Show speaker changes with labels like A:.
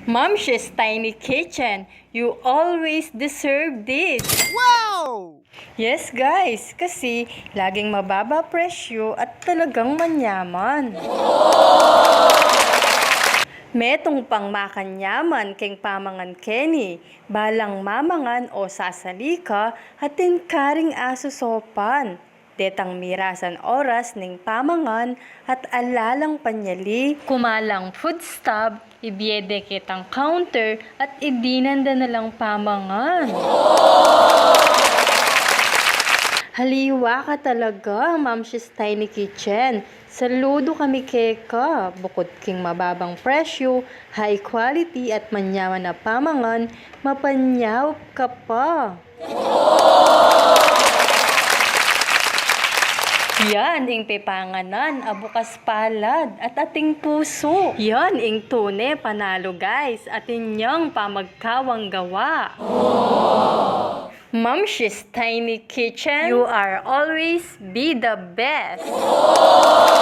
A: Mom's Tiny Kitchen, you always deserve this.
B: Wow!
A: Yes guys, kasi laging mababa presyo at talagang manyaman. Metong pang makanyaman keng pamangan Kenny, balang mamangan o sasalika, hatin karing aso sopan. Detang mirasan oras ning pamangan at alalang panyali, kumalang food stub, ibiede kitang counter at idinanda na lang pamangan. Haliwa ka talaga, Mom's Tiny Kitchen. Saludo kami keka. Bukod king mababang presyo, high quality at manyaman na pamangan, mapanyaw ka pa. Yan ing pepanganan, abukas palad at ating puso. Yan ing tune panalo guys, at inyong pamagkawang gawa. Mom's Tiny Kitchen, you are always be the best.